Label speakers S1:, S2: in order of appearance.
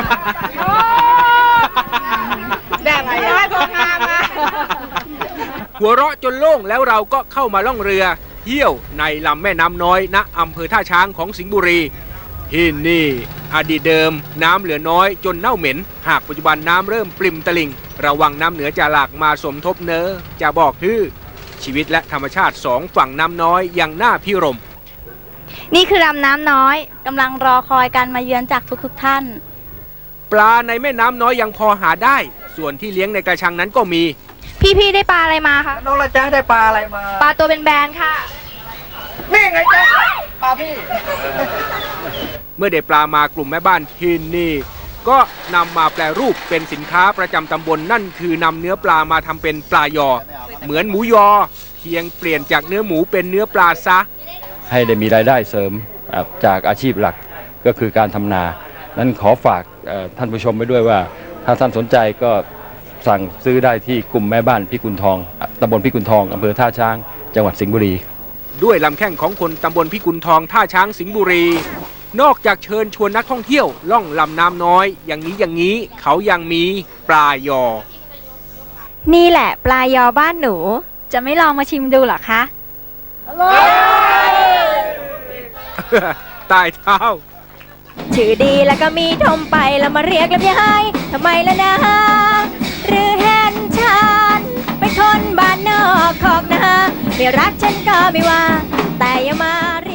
S1: ได้อะไรได้พองามมา
S2: หัวเราะจนโล่งแล้วเราก็เข้ามาล่องเรือเที่ยวในลำแม่น้ำน้อยณอำเภอท่าช้างของสิงห์บุรีที่นี่อดีตเดิมน้ำเหลือน้อยจนเน่าเหม็นหากปัจจุบันน้ำเริ่มปริ่มตลิ่งระวังน้ำเหนือจะหลากมาสมทบเนอจะบอกคือชีวิตและธรรมชาติสองฝั่งน้ำน้อยยังน่าพิรม
S3: นี่คือลำน้ำน้อยกำลังรอคอยการมาเยือนจากทุกท่าน
S2: ปลาในแม่น้ำน้อยยังพอหาได้ส่วนที่เลี้ยงในกระชังนั้นก็มี
S3: พี่ได้ปลาอะไรมาคะ
S1: น้องละจ้าได้ปลาอะไรมา
S3: ปลาตัวเป็นแบนค่ะ
S1: นี่ไงจ้าปลาพี่
S2: เมื่อได้ปลามากลุ่มแม่บ้านที่นี่ก็นำมาแปรรูปเป็นสินค้าประจำตำบล นั่นคือนำเนื้อปลามาทำเป็นปลายอเหมือนหมูยอเพียงเปลี่ยนจากเนื้อหมูเป็นเนื้อปลาซะ
S4: ให้ได้มีรายได้เสริมจากอาชีพหลักก็คือการทำนานั้นขอฝากท่านผู้ชมไว้ด้วยว่าถ้าท่านสนใจก็สั่งซื้อได้ที่กลุ่มแม่บ้านพิกุลทองตำบลพิกุลทองอำเภอท่าช้างจังหวัดสิงห์บุรี
S2: ด้วยลำแข้งของคนตำบลพิกุลทองท่าช้างสิงห์บุรีนอกจากเชิญชวนนักท่องเที่ยวล่องลำน้ำน้อยอย่างนี้เขายังมีปลายอ
S3: นี่แหละปลายอบ้านหนูจะไม่ลองมาชิมดูหรอคะ
S2: ตายเท้า
S3: ชื่อดีแล้วก็มีทมไปแล้วมาเรียกลำไยทำไมล่ะนะหรือเห็นฉันเป็นคนบ้านนอกขอกนาไม่รักฉันก็ไม่ว่าแต่อย่ามาเรียก